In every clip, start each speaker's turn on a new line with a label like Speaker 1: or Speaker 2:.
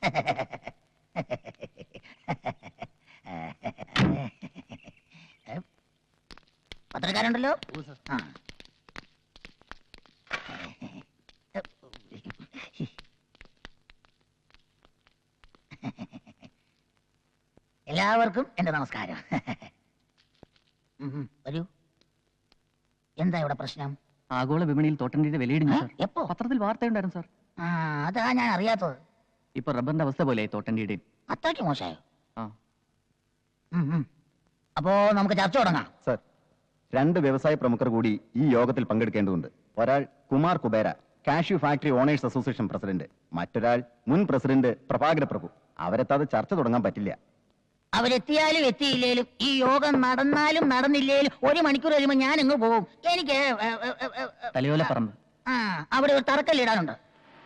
Speaker 1: പത്രക്കാരുണ്ടല്ലോ. എല്ലാവർക്കും എന്റെ നമസ്കാരം. വരൂ. എന്താ ഇവിടെ പ്രശ്നം?
Speaker 2: ആഗോള വിപണിയിൽ തോട്ടണ്ടിയുടെ വിലയിടിഞ്ഞു സാർ.
Speaker 1: എപ്പോ?
Speaker 2: പത്രത്തിൽ വാർത്തയുണ്ടായിരുന്നു സാർ.
Speaker 1: അതാ ഞാൻ അറിയാത്തത്.
Speaker 2: ഇപ്പൊ റബ്ബറിന്റെ അവസ്ഥ പോലെ തോട്ടണ്ടിയുടെയും.
Speaker 1: അത്രയ്ക്ക് മോശമായോ? അപ്പോ നമുക്ക് ചർച്ച തുടങ്ങാം.
Speaker 3: സർ, 2 വ്യവസായ പ്രമുഖർ കൂടി ഈ യോഗത്തിൽ പങ്കെടുക്കേണ്ടതുണ്ട്. ഒരാൾ Kumar Kubera, cashew factory owners association president. മറ്റൊരാൾ മുൻ പ്രസിഡന്റ് പ്രഭാകര പ്രഭു. അവരെത്താതെ ചർച്ച തുടങ്ങാൻ പറ്റില്ല.
Speaker 1: അവരെത്തിയാലും എത്തിയില്ലേലും ഈ യോഗം നടന്നാലും നടന്നില്ലേലും 1 മണിക്കൂർ കഴിയുമ്പോൾ ഞാൻ ഇങ്ങ് പോകും. എനിക്ക്
Speaker 2: തലയോല പറമ്പ്
Speaker 1: അവിടെ ഒരു തറക്കല്ലിടാനുണ്ട്.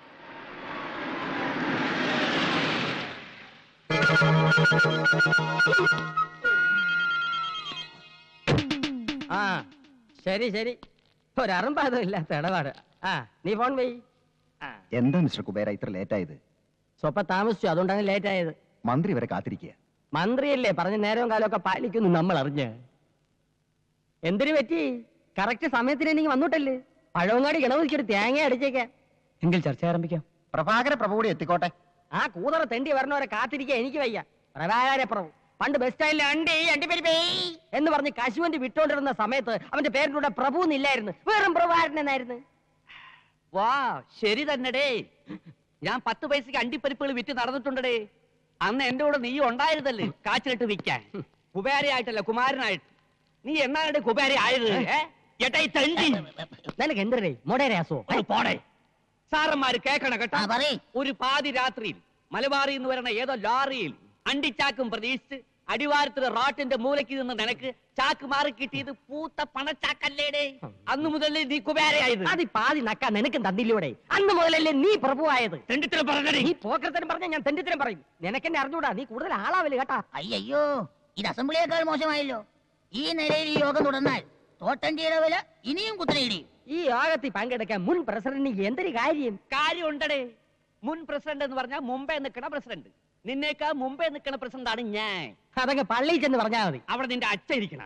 Speaker 4: ശരി ശരി, ഒരറുമ്പാതം ഇല്ലാത്ത ഇടപാട്. നീ ഫോൺ പോയി.
Speaker 3: എന്താ മിസ്റ്റർ കുബേര ഇത്ര ലേറ്റ് ആയത്?
Speaker 4: സ്വപ്പം താമസിച്ചു, അതുകൊണ്ടാണ് ലേറ്റ് ആയത്.
Speaker 3: മന്ത്രി വരെ കാത്തിരിക്കുക.
Speaker 4: മന്ത്രിയല്ലേ പറഞ്ഞ നേരവും കാലമൊക്കെ പാലിക്കുന്നു നമ്മൾ അറിഞ്ഞ്. എന്തിനു പറ്റി? കറക്റ്റ് സമയത്തിന് എനിക്ക് വന്നിട്ടല്ലേ. പഴവങ്ങാടി ഗണപതിക്കൊരു തേങ്ങ അടിച്ചേക്കാം.
Speaker 2: എങ്കിൽ ചർച്ച ആരംഭിക്കാം.
Speaker 3: പ്രഭാകര പ്രഭു കൂടി എത്തിക്കോട്ടെ.
Speaker 4: ആ കൂതറ തെണ്ടി വരണവരെ കാത്തിരിക്കാൻ എനിക്ക് വയ്യ. പ്രഭാകര പ്രഭു പണ്ട് ബസ് സ്റ്റാൻഡിൽ അണ്ടിപ്പരിപ്പേ എന്ന് പറഞ്ഞ് കശുവണ്ടി വിട്ടോണ്ടിരുന്ന സമയത്ത് അവന്റെ പേരിലൂടെ പ്രഭു എന്നില്ലായിരുന്നു, വെറും പ്രഭാകരൻ എന്നായിരുന്നു.
Speaker 5: വാ, ശരി തന്നെടേ. ഞാൻ 10 പൈസക്ക് അണ്ടിപ്പരിപ്പുകൾ വിറ്റ് നടന്നിട്ടുണ്ടേ. അന്ന് എന്റെ കൂടെ നീ ഉണ്ടായിരുന്നല്ലേ കാച്ചിലിട്ട് വിൽക്കാൻ. കുബേരയായിട്ടല്ല, കുമാരനായിട്ട്. നീ എന്നാണ് കുബേര ആയത്?
Speaker 4: നിനക്ക് എന്തരേ മൊടേരാസോ?
Speaker 5: പോടെ. സാറന്മാര് കേക്കണം കേട്ടോ. ഒരു പാതി രാത്രിയിൽ മലബാറിൽ നിന്ന് വരണ ഏതോ ലോറിയിൽ അണ്ടിച്ചാക്കും പ്രതീക്ഷിച്ച് അടിവാരത്തിലെ റോട്ടിന്റെ മൂലയ്ക്ക് നിന്ന് നിനക്ക് ചാക്ക് മാറി കിട്ടിയത് പൂത്ത പണച്ചാക്കല്ലേടേ. അന്ന് മുതലേ നീ കുബേരയായത്.
Speaker 4: അത് പാതി നക്കാൻ നിനക്കും തന്നില്ലൂടെ? അന്ന് മുതലല്ലേ നീ പ്രഭുവായത്.
Speaker 5: തെണ്ടിത്തരം പറഞ്ഞേ.
Speaker 4: നീ പോക്കരത്തരം പറഞ്ഞ ഞാൻ തെണ്ടിത്തരം പറയും. നിനക്കെന്നെ അറിഞ്ഞൂടാ, നീ കൂടുതൽ ആളാവല് കേട്ടാ.
Speaker 1: അയ്യോ, ഇത് അസംബ്ലിയേക്കാൾ മോശമായല്ലോ. ഈ നിലയിൽ ഈ യോഗം തുടർന്നാൽ തോട്ടണ്ടിയുടെ വില ഇനിയും കുത്തനെയിടിയും.
Speaker 4: ഈ യോഗത്തിൽ പങ്കെടുക്കാൻ മുൻ പ്രസിഡന്റിന് എന്തൊരു
Speaker 5: കാര്യമുണ്ടടേ. മുൻ പ്രസിഡന്റ് എന്ന് പറഞ്ഞാൽ മുമ്പേ നിൽക്കണ പ്രസിഡന്റ്. നിന്നേക്കാ മുമ്പേ നിൽക്കണ പ്രസിഡന്റ് ആണ് ഞാൻ.
Speaker 4: അതൊക്കെ പള്ളിയിൽ ചെന്ന് പറഞ്ഞാൽ മതി.
Speaker 5: അവിടെ നിന്റെ അച്ഛ ഇരിക്കണ.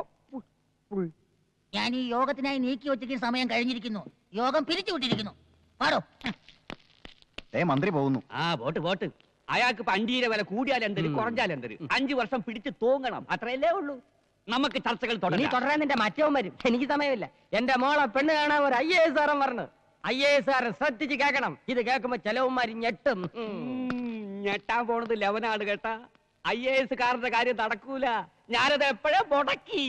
Speaker 1: ഞാൻ ഈ യോഗത്തിനായി നീക്കി വെച്ചിരിക്കുന്ന സമയം കഴിഞ്ഞിരിക്കുന്നു. യോഗം പിരിച്ചുവിട്ടിരിക്കുന്നു. പാടോ.
Speaker 3: മന്ത്രി പോകുന്നു.
Speaker 5: വോട്ട്. അയാൾക്ക് ഇപ്പൊ അണ്ടിയുടെ വില കൂടിയാലെന്തര് കുറഞ്ഞാലെന്തര് 5 വർഷം പിടിച്ച് തൂങ്ങണം. അത്രയല്ലേ ഉള്ളൂ. നമുക്ക് ചർച്ചകൾ
Speaker 4: തുടരാൻ നിന്റെ മറ്റവും വരും. എനിക്ക് സമയമില്ല. എന്റെ മോളെ പെണ്ണ് കാണാൻ ഒരു IAS പറഞ്ഞു. IAS ശ്രദ്ധിച്ച് കേൾക്കണം. ഇത് കേൾക്കുമ്പോ ചെലവുമാരി ഞെട്ടും.
Speaker 5: ഞെട്ടാൻ പോണത് ലെവനാണ് കേട്ടാ. IAS കാരന്റെ കാര്യം നടക്കൂല. ഞാനത് എപ്പോഴേ മുടക്കി.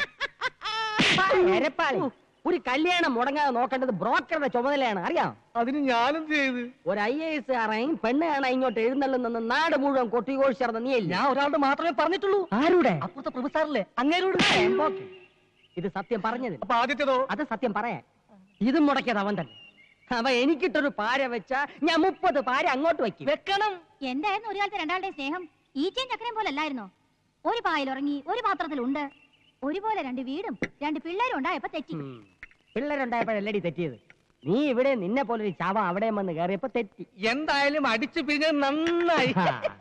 Speaker 4: ഒരു കല്യാണം മുടങ്ങാതെ നോക്കേണ്ടത് ബ്രോക്കറുടെ ചുമതലയാണ്, അറിയാം.
Speaker 5: അതിന് ഞാനെന്ത് ചെയ്ത്?
Speaker 4: ഒരു IAS കാരൻ പെണ്ണ് കാണാൻ ഇങ്ങോട്ട് എഴുന്നള്ളുന്ന നാട് മുഴുവൻ കൊട്ടിഘോഷിച്ചിരുന്ന നീയല്ല.
Speaker 5: ഞാൻ ഒരാളുടെ മാത്രമേ പറഞ്ഞിട്ടുള്ളൂ.
Speaker 4: ആരുടെ?
Speaker 5: അപ്പുറത്തെ പ്രൊഫസറിലെ അങ്ങേരോട്.
Speaker 4: ഇത് സത്യം പറഞ്ഞത്.
Speaker 5: അപ്പൊ ആദ്യത്തേതോ?
Speaker 4: അത് സത്യം പറയാൻ. ഇതും മുടക്കിയത് അവൻ തന്നെ. അവ എനിക്കിട്ടൊരു പാര വെച്ചാ ഞാൻ 30 പാര അങ്ങോട്ട് വെക്കണം.
Speaker 6: എന്തായിരുന്നു ഒരു കാലത്ത് രണ്ടാളുടെ സ്നേഹം? ഈച്ചയും ചക്കരയും പോലെ അല്ലായിരുന്നോ? ഒരു പായിൽ ഉറങ്ങി, ഒരു പാത്രത്തിലുണ്ട്. ഒരുപോലെ 2 വീടും 2 പിള്ളേരും ഉണ്ടായപ്പോ തെറ്റി.
Speaker 4: പിള്ളേരുണ്ടായപ്പോഴല്ലടി തെറ്റിയത്. നീ ഇവിടെ നിന്നെ പോലൊരു ചാവ അവിടെ വന്ന് കയറിയപ്പോ തെറ്റി.
Speaker 5: എന്തായാലും അടിച്ചു പിരിഞ്ഞത് നന്നായി.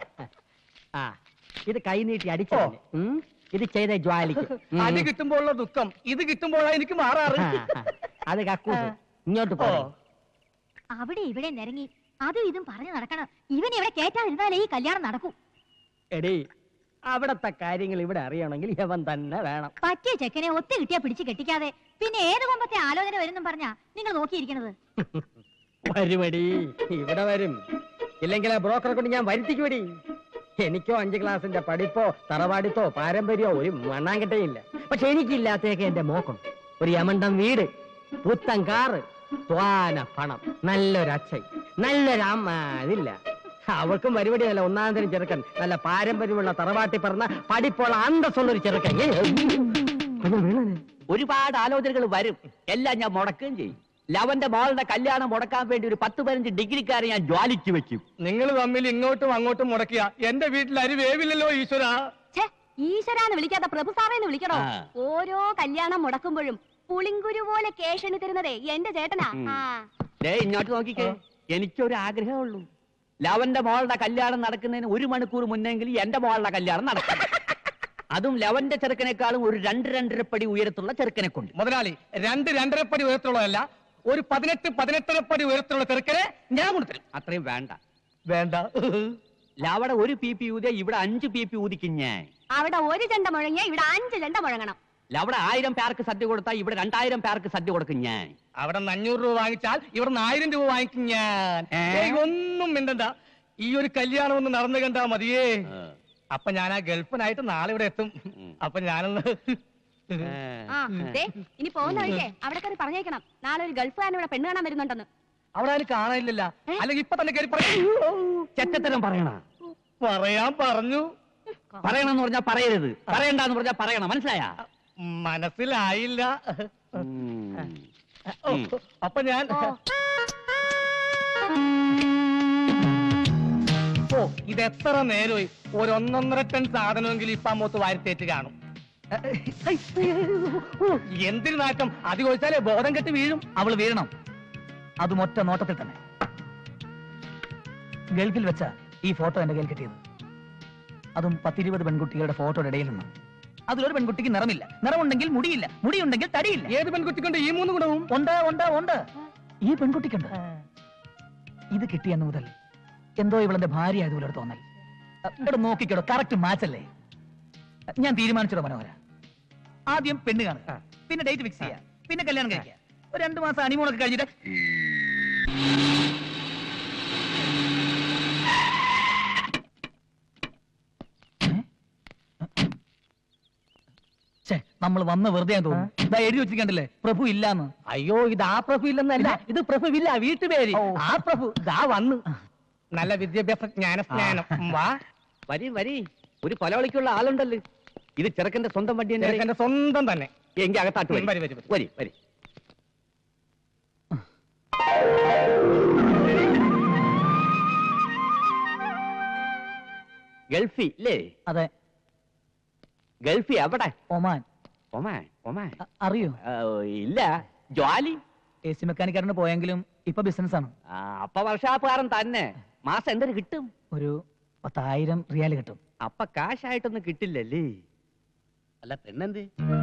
Speaker 4: ഇത് കൈ നീട്ടി അടിച്ചോ? ഇത് ചെയ്ത ജ്വാലിക്ക്.
Speaker 5: അടി കിട്ടുമ്പോഴുള്ള ദുഃഖം ഇത് കിട്ടുമ്പോഴാണ് എനിക്ക് മാറാറ്.
Speaker 4: അത് കക്കൂസ്. ഇങ്ങോട്ട് പോ.
Speaker 6: അവിടെ ഇവിടെ നിരങ്ങി അതും ഇതും പറഞ്ഞു നടക്കണം. ഇവൻ ഇവിടെ കേറ്റാതിരുന്നാലേ ഈ കല്യാണം നടക്കൂ.
Speaker 4: എടീ, അവിടത്തെ കാര്യങ്ങൾ ഇവിടെ അറിയണമെങ്കിൽ ഇവൻ തന്നെ വേണം.
Speaker 6: പറ്റിയ ചെക്കനെ ഒത്തു കിട്ടിയാ പിടിച്ച് കെട്ടിക്കാതെ പിന്നെ ഏത് കൊമ്പത്തെ ആലോചന വരും പറഞ്ഞാ നിങ്ങൾ നോക്കിയിരിക്കണത്.
Speaker 4: വരുമടി, ഇവിടെ വരും. ഇല്ലെങ്കിൽ ആ ബ്രോക്കറെ കൊണ്ട് ഞാൻ വരുത്തിക്കുമടി. എനിക്കോ 5 ക്ലാസിന്റെ പഠിപ്പോ തറവാടിത്തോ പാരമ്പര്യമോ ഒരു മണ്ണാങ്കട്ടയില്ല. പക്ഷെ എനിക്കില്ലാത്തേക്ക് എന്റെ മോക്കും ഒരു യമണ്ടം വീട്, പുത്തൻ കാറ്, ത്വാന പണം, നല്ലൊരു അച്ഛൻ, നല്ലൊരു അമ്മ. അതില്ല. അവർക്കും പരിപാടിയല്ല. 1-ാം തരം ചെറുക്കൻ, നല്ല പാരമ്പര്യമുള്ള തറവാട്ടി പറഞ്ഞ പഠിപ്പുള്ള അന്തസ്സുള്ളൊരു ചെറുക്കൻ.
Speaker 5: ഒരുപാട് ആലോചനകൾ വരും. എല്ലാം ഞാൻ മുടക്കുകയും ചെയ്യും. ലവന്റെ മോളുടെ കല്യാണം മുടക്കാൻ വേണ്ടി ഒരു 10-15 ഡിഗ്രിക്കാരെ ഞാൻ ജ്വാലിച്ചു വെക്കും.
Speaker 7: നിങ്ങൾ തമ്മിൽ ഇങ്ങോട്ടും അങ്ങോട്ടും മുടക്കിയ എന്റെ വീട്ടിൽ അരി വേവില്ലല്ലോ ഈശ്വര.
Speaker 6: ഈശ്വരാന്ന് വിളിക്കാതെ പ്രഭു സാറേന്ന് വിളിക്കണോ? ഓരോ കല്യാണം മുടക്കുമ്പോഴും പുളിങ്കുരു പോലെ കേഷണി തരുന്നതേ എന്റെ ചേട്ടനാ.
Speaker 5: ഇങ്ങോട്ട് നോക്കിക്കേ. എനിക്കൊരു ആഗ്രഹമുള്ളൂ. ലവന്റെ മോളുടെ കല്യാണം നടക്കുന്നതിന് 1 മണിക്കൂർ മുന്നെങ്കിൽ എന്റെ മോളുടെ കല്യാണം നടക്കും. അതും ലവന്റെ ചെറുക്കനേക്കാളും ഒരു 2-2.5 പടി ഉയരത്തുള്ള ചെറുക്കനെ കൊണ്ട്.
Speaker 7: മുതലാളി 2-2.5 പടി ഉയരത്തുള്ളതല്ല, ഒരു 18-18 പടി ഉയരത്തുള്ള ചെറുക്കനെ ഞാൻ കൊടുത്തരും.
Speaker 5: അത്രയും വേണ്ട.
Speaker 7: വേണ്ട.
Speaker 5: ലവടെ 1 PP ഊതിയ ഇവിടെ 5 PP ഊതിക്കും ഞാൻ.
Speaker 6: അവിടെ 1 ചെണ്ട മുഴങ്ങിയ ഇവിടെ 5 ചെണ്ട മുഴങ്ങണം.
Speaker 5: ലവടെ 1000 പേർക്ക് സദ്യ കൊടുത്താൽ ഇവിടെ 2000 പേർക്ക് സദ്യ കൊടുക്കും ഞാൻ.
Speaker 7: അവിടെ 500 രൂപ വാങ്ങിച്ചാൽ ഇവിടെ 1000 രൂപ വാങ്ങിക്കും ഞാൻ. ഒന്നും മിണ്ടണ്ട, ഈ ഒരു കല്യാണം ഒന്ന് നടന്നു കണ്ടാ മതിയേ. അപ്പൊ ഞാൻ ആ ഗൾഫിനായിട്ട് നാളെ ഇവിടെ എത്തും. അപ്പൊ ഞാനൊന്ന്
Speaker 6: ഇനി പോകുന്ന വഴിക്കേ അവിടെ കയറി പറഞ്ഞേക്കണം, നാളെ ഒരു ഗൾഫുകാരൻ ഇവിടെ പെണ്ണ് കാണാൻ വരുന്നുണ്ടെന്ന്.
Speaker 7: അവിടെ അതിന് കാണാനില്ല. അല്ലെങ്കിൽ ഇപ്പൊ തന്നെ കയറി
Speaker 5: ചെറ്റത്തരം പറയണ.
Speaker 7: പറയാൻ പറഞ്ഞു.
Speaker 5: പറയണമെന്ന് പറഞ്ഞാ പറയരുത്, പറയണ്ടെന്ന് പറഞ്ഞാ പറയണം. മനസ്സിലായ?
Speaker 7: മനസ്സിലായില്ല. അപ്പൊ ഞാൻ ഇത് എത്ര നേരമായി, ഒരു 1.5 ടൺ സാധനമെങ്കിലും ഇപ്പൊ അമ്മൂത്ത് വാരിത്തേറ്റ് കാണും. എന്തിനു നാറ്റം, അത് ചോദിച്ചാലേ ബോധം കെട്ട് വീഴും.
Speaker 2: അവള് വീഴണം, അതും ഒറ്റ നോട്ടത്തിൽ തന്നെ. ഗൾഫിൽ വെച്ച ഈ ഫോട്ടോ എന്റെ കയ്യിൽ കിട്ടിയത്, അതും 10-20 പെൺകുട്ടികളുടെ ഫോട്ടോയുടെ ഇടയിൽ നിന്ന്. അതിലൊരു പെൺകുട്ടിക്ക് നിറമില്ല, നിറമുണ്ടെങ്കിൽ മുടിയില്ല, മുടിയുണ്ടെങ്കിൽ തടിയില്ല.
Speaker 7: ഏത് പെൺകുട്ടിക്കൊണ്ട് ഈ 3 ഗുണവും?
Speaker 2: ഉണ്ട്. ഈ പെൺകുട്ടിക്കുണ്ട്. ഇത് കിട്ടിയെന്ന് മുതൽ എന്തോ ഇവളെന്റെ ഭാര്യ ആയതുപോലെ ഒരു തോന്നൽ. ഇവിടെ നോക്കിക്കോടോ, കറക്റ്റ് മാച്ചല്ലേ? ഞാൻ തീരുമാനിച്ചോ മനോഹര, ആദ്യം പെണ്ണ് കാണുക, പിന്നെ ഡേറ്റ് ഫിക്സ് ചെയ്യുക, പിന്നെ കല്യാണം കഴിക്കുക. ഒരു 2 മാസം ഹണിമൂണൊക്കെ കഴിഞ്ഞിട്ട് നമ്മൾ വന്ന് വെറുതെ തോന്നുന്നു. ഇതാ എഴുതി വെച്ചിട്ടുണ്ടല്ലേ, പ്രഭു ഇല്ലാന്ന്.
Speaker 4: അയ്യോ, ഇത് ആ പ്രഭു ഇല്ലെന്നല്ല, ഇത് പ്രഭുവില്ല, വീട്ടുപേര്. ആ പ്രഭു ദാ വന്നു.
Speaker 7: നല്ല വിദ്യാഭ്യാസ ജ്ഞാനം. വാ
Speaker 5: വരി. ഒരു കൊലവിളിക്കുള്ള ആളുണ്ടല്ലോ. ഇത് ചെറുക്കന്റെ സ്വന്തം വണ്ടി തന്നെ.
Speaker 7: എന്റെ സ്വന്തം തന്നെ.
Speaker 5: എങ്കിൽ അകത്താട്ട്
Speaker 7: വരി.
Speaker 5: വരി. ഗൾഫി അല്ലേ?
Speaker 2: അതെ.
Speaker 5: ഗൾഫി എവിടെ?
Speaker 2: ഒമാൻ.
Speaker 5: ഒമാൻ
Speaker 2: അറിയോ?
Speaker 5: ഇല്ല. ജോലി
Speaker 2: AC മെക്കാനിക്കാരന് പോയെങ്കിലും ഇപ്പൊ ബിസിനസ് ആണ്.
Speaker 5: അപ്പൊ വർഷാപ്പുകാരൻ തന്നെ. മാസം എന്തൊരു കിട്ടും?
Speaker 2: ഒരു 10,000 റിയാൽ കിട്ടും.
Speaker 5: അപ്പൊ കാശായിട്ടൊന്നും കിട്ടില്ലല്ലേ? അല്ല പെണ്ണെന്ത്?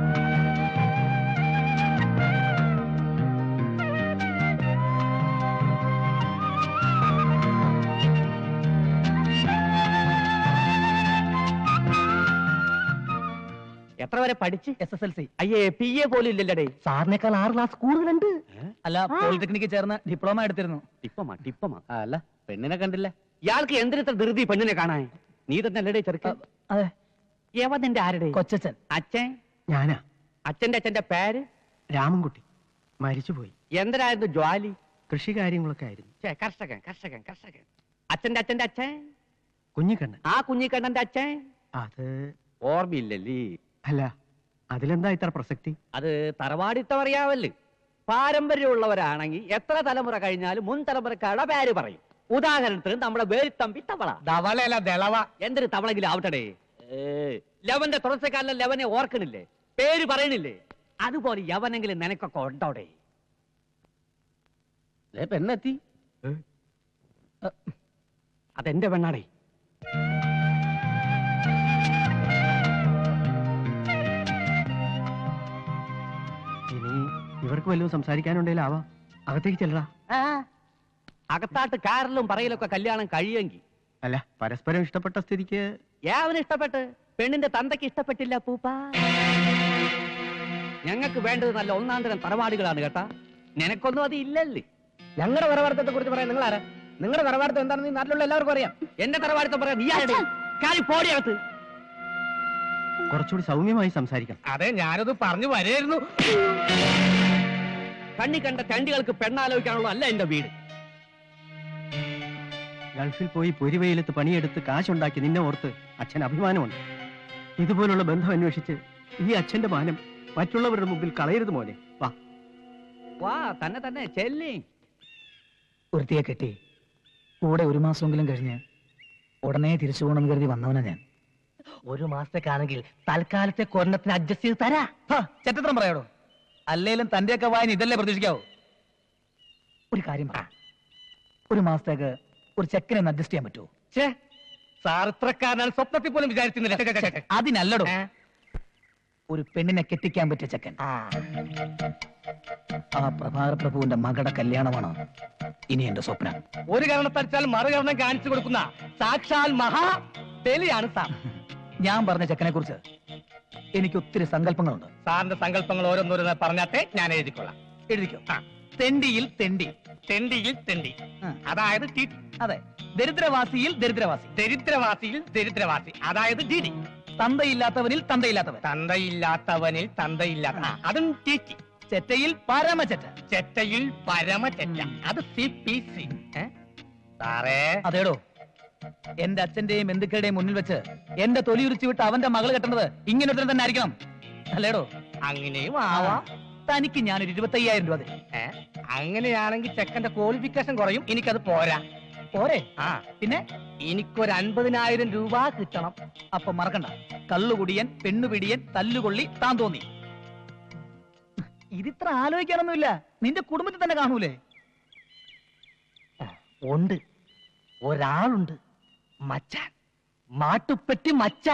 Speaker 5: എത്ര വരെ പഠിച്ച്?
Speaker 2: SSLC.
Speaker 5: അയ്യേ, PA പോലും ഇല്ലല്ലേ?
Speaker 4: സാറിനേക്കാൾ 6 ക്ലാസ് കൂടുതലുണ്ട്.
Speaker 2: അല്ല, പോളിടെക്നിക്ക് ചേർന്ന് ഡിപ്ലോമ എടുത്തിരുന്നു.
Speaker 5: ടിപ്പമാ.
Speaker 3: അല്ല, പെണ്ണിനെ കണ്ടില്ല.
Speaker 5: ഇയാൾക്ക് എന്തിനത്ര ധൃതി പെണ്ണിനെ കാണാൻ? നീ തന്നെ അല്ലടേ ചെറുക്കൻ?
Speaker 2: അതെ.
Speaker 5: യവന്റെ ആരുടെ?
Speaker 2: കൊച്ചച്ഛൻ.
Speaker 5: അച്ഛൻ?
Speaker 4: ഞാനാ.
Speaker 5: അച്ഛന്റെ പേര്?
Speaker 4: രാമൻകുട്ടി. മരിച്ചുപോയി.
Speaker 5: എന്തരായിരുന്നു ജോലി?
Speaker 4: കൃഷി കാര്യങ്ങളൊക്കെ ആയിരുന്നു.
Speaker 5: കർഷകൻ. അച്ഛന്റെ അച്ഛൻ?
Speaker 4: കുഞ്ഞിക്കണ്ണൻ.
Speaker 5: ആ കുഞ്ഞിക്കണ്ണന്റെ അച്ഛൻ?
Speaker 4: അത്
Speaker 5: ഓർമ്മയില്ലല്ലേ?
Speaker 4: അല്ല, അതിലെന്താ ഇത്ര പ്രസക്തി?
Speaker 5: അത് തറവാടിത്തം അറിയാവല്ലേ? പാരമ്പര്യമുള്ളവരാണെങ്കിൽ എത്ര തലമുറ കഴിഞ്ഞാലും മുൻ തലമുറക്കാരുടെ പേര് പറയും. ഉദാഹരണത്തിന് നമ്മുടെ വേലിത്തമ്പി തവള.
Speaker 7: ധവളയല്ല, ദളവ.
Speaker 5: എന്തൊരു തവളെങ്കിലും ആവട്ടെ. ലവന്റെ തുടർച്ചക്കാരനെ ലവനെ ഓർക്കണില്ലേ? പേര് പറയണില്ലേ? അതുപോലെ യവനെങ്കിലും നിനക്കൊക്കെ ഉണ്ടോടെ?
Speaker 3: പെണ്ണെത്തി.
Speaker 5: അതെന്റെ പെണ്ണാടേ.
Speaker 4: ഇനി ഇവർക്ക് വല്ലതും സംസാരിക്കാനുണ്ടെങ്കിലാവാ. അകത്തേക്ക് ചെല്ലടാ.
Speaker 5: അകത്താട്ട് കാറിലും പറയലൊക്കെ കല്യാണം കഴിയെങ്കിൽ.
Speaker 4: അല്ല, പരസ്പരം ഇഷ്ടപ്പെട്ട സ്ഥിതിക്ക്.
Speaker 5: യാവന് ഇഷ്ടപ്പെട്ട്, പെണ്ണിന്റെ തന്തയ്ക്ക് ഇഷ്ടപ്പെട്ടില്ല പൂപ്പ. ഞങ്ങൾക്ക് വേണ്ടത് നല്ല 1-ാം തരം തറവാടുകളാണ് കേട്ടാ. നിനക്കൊന്നും അത് ഇല്ലല്ലേ?
Speaker 4: ഞങ്ങളുടെ തറവാടത്തെ കുറിച്ച് പറയാൻ നിങ്ങൾ ആരാ? നിങ്ങളുടെ തറവാടത്തെ എന്താണെന്ന് ഈ നാട്ടിലുള്ള എല്ലാവർക്കും അറിയാം.
Speaker 5: എന്റെ തറവാടത്തെ പറയാം. നീ ആരുടെ? കാലി പോടിയകത്ത്.
Speaker 4: കുറച്ചുകൂടി സൗമ്യമായി സംസാരിക്കാം.
Speaker 7: അതെ, ഞാനത് പറഞ്ഞു വരായിരുന്നു.
Speaker 5: കണ്ണി കണ്ട ചണ്ടികൾക്ക് പെണ്ണാലോചിക്കാനുള്ള അല്ല എന്റെ വീട്.
Speaker 4: ഗൾഫിൽ പോയി പൊരിവെയിലത്ത് പണിയെടുത്ത് കാശുണ്ടാക്കി നിന്നെ ഓർത്ത് അച്ഛൻ അഭിമാനമുണ്ട്. ഇതുപോലുള്ള ബന്ധം അന്വേഷിച്ച് ഈ അച്ഛന്റെ മാനം മറ്റുള്ളവരുടെ മുമ്പിൽ കളയരുത് മോനെ.
Speaker 5: വാ തന്നെ ചെല്ലി.
Speaker 2: ഒരുത്തിയെ കെട്ടി കൂടെ 1 മാസമെങ്കിലും കഴിഞ്ഞ് ഉടനെ തിരിച്ചു പോകണമെന്ന് കരുതി വന്നവനാ ഞാൻ.
Speaker 4: 1 മാസത്തേക്കാണെങ്കിൽ തൽക്കാലത്തെ കൊരണത്തിന് അഡ്ജസ്റ്റ് ചെയ്ത് തരാ.
Speaker 2: ചെറ്റത്രം പറയാടോ. അല്ലേലും തന്റെയൊക്കെ വായന ഇതല്ലേ പ്രതീക്ഷിക്കാവോ? ഒരു കാര്യം പറ, 1 മാസത്തേക്ക് ഒരു ചെക്കനെ ഒന്ന് അഡ്ജസ്റ്റ് ചെയ്യാൻ പറ്റുമോ?
Speaker 7: ഛേ, സാർ ഇത്രക്കാരനാണ് സ്വപ്നത്തിൽ പോലും വിചാരിക്കുന്നില്ല.
Speaker 2: അതിനല്ലടോ, ഒരു പെണ്ണിനെ കെട്ടിക്കാൻ പറ്റിയ ചെക്കൻ. ആ പ്രഭാകര പ്രഭുവിന്റെ മകളുടെ കല്യാണമാണ് ഇനി എന്റെ സ്വപ്നം.
Speaker 7: ഒരു കാരണത്തടിച്ചാൽ മറുകരണം കാണിച്ചു കൊടുക്കുന്ന സാക്ഷാൽ മഹാ ബലിയാണ് സാർ.
Speaker 2: ഞാൻ പറഞ്ഞ ചെക്കനെ കുറിച്ച് എനിക്ക് ഒത്തിരി സങ്കല്പങ്ങളുണ്ട്.
Speaker 7: സാറിന്റെ സങ്കല്പങ്ങൾ ഓരോന്നോരോന്ന് പറഞ്ഞാട്ടെ, ഞാൻ എഴുതിക്കൊള്ളാം.
Speaker 2: എഴുതിക്കോ. തെണ്ടിയിൽ തെണ്ടി,
Speaker 7: തെണ്ടിയിൽ തെണ്ടി,
Speaker 2: ആ.
Speaker 7: അതായത്
Speaker 2: അതെ. ദരിദ്രവാസിയിൽ ദരിദ്രവാസി,
Speaker 7: ദരിദ്രവാസിയിൽ ദരിദ്രവാസി, അതായത് ഡിഡി.
Speaker 2: തന്തയില്ലാത്തവനിൽ തന്തയില്ലാത്തവൻ,
Speaker 7: തന്തയില്ലാത്തവനിൽ തന്തയില്ലാത്ത, അതും ടിറ്റി.
Speaker 2: ചെറ്റയിൽ പരമചെറ്റ,
Speaker 7: ചെറ്റയിൽ പരമചെറ്റ, അത് CPC. സാറേ,
Speaker 2: അതേടോ, എന്റെ അച്ഛന്റെയും ബന്ധുക്കളുടെയും മുന്നിൽ വെച്ച് എന്റെ തൊലി ഉരിച്ചു വിട്ട് അവന്റെ മകള് കെട്ടുന്നത് ഇങ്ങനെ ഒരുത്തൻ തന്നെ ആയിരിക്കണം, അല്ലേടോ?
Speaker 7: അങ്ങനെയും ആവാം.
Speaker 2: തനിക്ക് ഞാനൊരു 25,000 രൂപ തരും.
Speaker 7: അങ്ങനെയാണെങ്കിൽ ചെക്കന്റെ ക്വാളിഫിക്കേഷൻ കുറയും, എനിക്കത് പോരാ.
Speaker 2: പോരെ?
Speaker 7: ആ,
Speaker 2: പിന്നെ
Speaker 7: എനിക്കൊരു 50,000 രൂപ കിട്ടണം.
Speaker 2: അപ്പൊ മറക്കണ്ട, കള്ളുകുടിയൻ, പെണ്ണുപിടിയൻ, തല്ലുകൊള്ളി, താൻ തോന്നി. ഇതിത്ര ആലോചിക്കാനൊന്നുമില്ല, നിന്റെ കുടുംബത്തിൽ തന്നെ കാണൂലേ?
Speaker 7: ഉണ്ട്, ഒരാളുണ്ട്, മച്ചാൻ, മാട്ടുപ്പെട്ടി മച്ചാൻ.